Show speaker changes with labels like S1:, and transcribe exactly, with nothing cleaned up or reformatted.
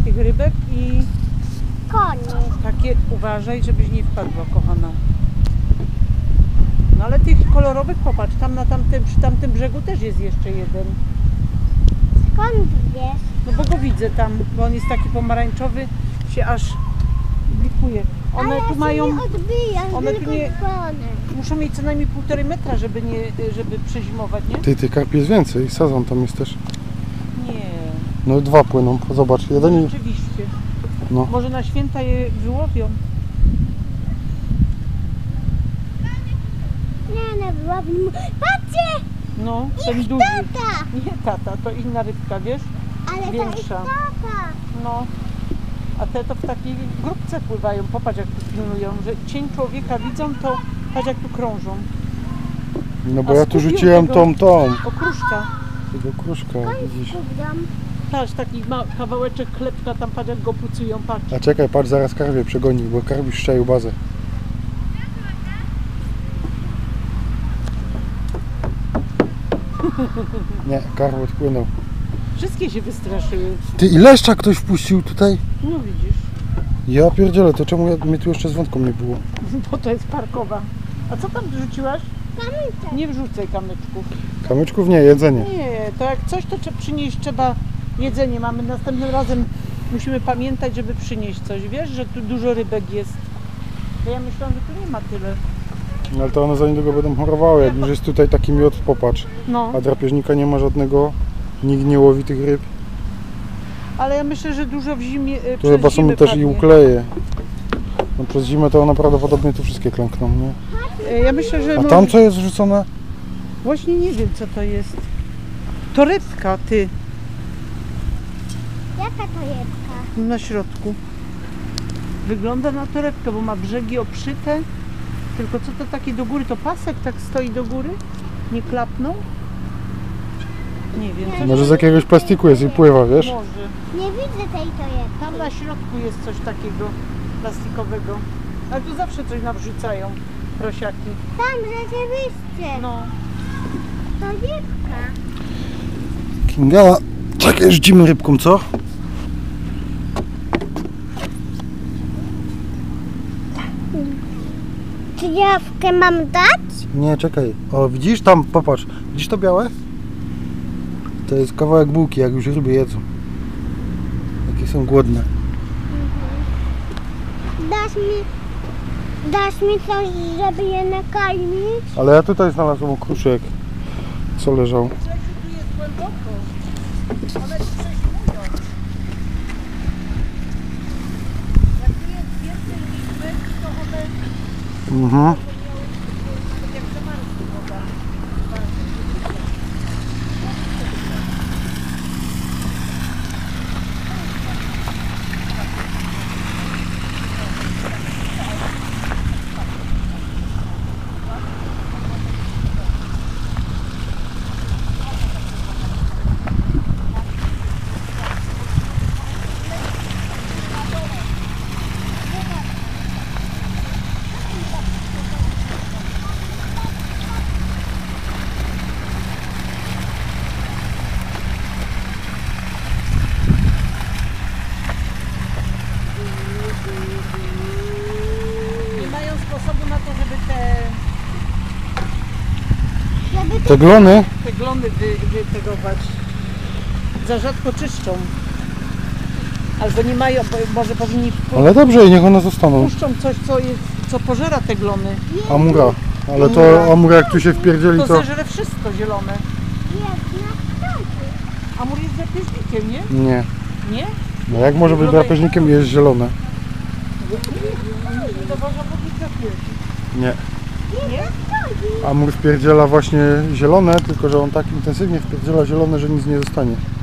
S1: tych rybek i
S2: Koniec.
S1: takie uważaj, żebyś nie wpadła, kochana. No ale tych kolorowych popatrz, tam na tamtym, przy tamtym brzegu też jest jeszcze jeden.
S2: Skąd wiesz?
S1: No bo go widzę tam, bo on jest taki pomarańczowy, się aż blikuje. One
S2: Ale
S1: tu mają,
S2: się nie odbija,
S1: one
S2: tylko
S1: tu nie-
S2: dzwony.
S1: muszą mieć co najmniej półtorej metra, żeby nie, żeby przezimować, nie?
S3: Ty, tych karpi jest więcej, sezon tam jest też.
S1: Nie.
S3: No dwa płyną, zobacz, jeden i...
S1: Rzeczywiście.
S3: No.
S1: Może na święta je wyłowią.
S2: Nie, nie wyłowimy. Patrzcie!
S1: No, ten duży.
S2: Tata!
S1: Nie tata, to inna rybka, wiesz?
S2: Ale to jest
S1: Większa.
S2: tata.
S1: No. A te to w takiej grupce pływają. Popatrz jak tu pilnują, że cień człowieka widzą, to patrz jak tu krążą.
S3: No bo
S1: A
S3: ja tu
S1: skupił
S3: rzuciłem
S1: tego-
S3: tą, tą.
S1: Okruszka.
S3: Tego kruszka, widzisz.
S2: Kubram.
S1: Patrz, taki ma kawałeczek chlebka, tam patrz jak go pucują, patrz.
S3: A czekaj, patrz, zaraz karwie przegoni, bo karbi szczaił bazę. Nie, karp odpłynął.
S1: Wszystkie się wystraszyły.
S3: Ty, i leszcza ktoś wpuścił tutaj?
S1: No widzisz,
S3: Ja pierdzielę, to czemu ja, mnie tu jeszcze z wątką nie było?
S1: bo to jest parkowa. A co tam wrzuciłaś?
S2: Kamyczek.
S1: Nie wrzucaj kamyczków.
S3: Kamyczków nie, jedzenie.
S1: Nie, to jak coś, to trzeba przynieść, trzeba jedzenie. Mamy następnym razem, musimy pamiętać, żeby przynieść coś. Wiesz, że tu dużo rybek jest. To ja myślałam, że tu nie ma tyle.
S3: No ale to one za niedługo będą chorowały, jak już jest tutaj taki miód, popatrz.
S1: No,
S3: A drapieżnika nie ma żadnego, nikt nie łowi tych ryb.
S1: ale ja myślę, że dużo w zimie. y,
S3: Tu
S1: przez
S3: chyba są
S1: zimę
S3: też i
S1: padnie.
S3: ukleje. No przez zimę to one prawdopodobnie tu wszystkie klękną, nie?
S1: Y, Ja myślę, że.
S3: A
S1: może-
S3: tam co jest wrzucone?
S1: Właśnie nie wiem, co to jest. To rybka, ty,
S2: Jaka to jebka?
S1: na środku. Wygląda na torebkę, bo ma brzegi obszyte. Tylko co to takie do góry? To pasek tak stoi do góry? Nie klapnął? Nie wiem. coś-
S3: Może z jakiegoś plastiku jest i pływa, wiesz?
S1: Może.
S2: Nie widzę tej to jebki.
S1: Tam na środku jest coś takiego plastikowego. Ale tu zawsze coś nawrzucają prosiaki.
S2: Tam rzeczywiście.
S1: No.
S2: To jebka.
S3: Kinga, czekaj, rzucimy rybką, co?
S2: Czy jawkę mam dać?
S3: Nie, czekaj. O, widzisz tam, popatrz. Widzisz to białe? To jest kawałek bułki, jak już ryby jedzą. Jakie są głodne.
S2: Dasz mi... Dasz mi coś, żeby je nakarmić?
S3: Ale ja tutaj znalazłem okruszek, co leżał.
S1: Grzesiu, tu jest głęboko. One tu przezimują. Jak tu jest więcej liczby, to one
S3: Mhm.
S1: jak zamarzły woda. Nie mają sposobu na to, żeby te,
S2: Żeby
S3: Te glony?
S1: te glony wy, wytegować. Za rzadko czyszczą. Albo nie mają, bo może powinni wpu-
S3: Ale dobrze, i niech one zostaną.
S1: puszczą coś, co, jest, co pożera te glony.
S3: Amura. Ale
S1: Amura.
S3: to amura jak tu się wpierdzieli,
S1: To
S3: to...
S1: zeżre wszystko zielone.
S2: jest na wschodzie.
S1: Amur jest drapieżnikiem, nie?
S3: Nie.
S1: Nie?
S3: No jak może być drapieżnikiem i jest zielone?
S1: To można powiedzieć drapieżnik.
S3: Nie.
S1: Nie?
S3: Amur wpierdziela właśnie zielone, tylko że on tak intensywnie wpierdziela zielone, że nic nie zostanie.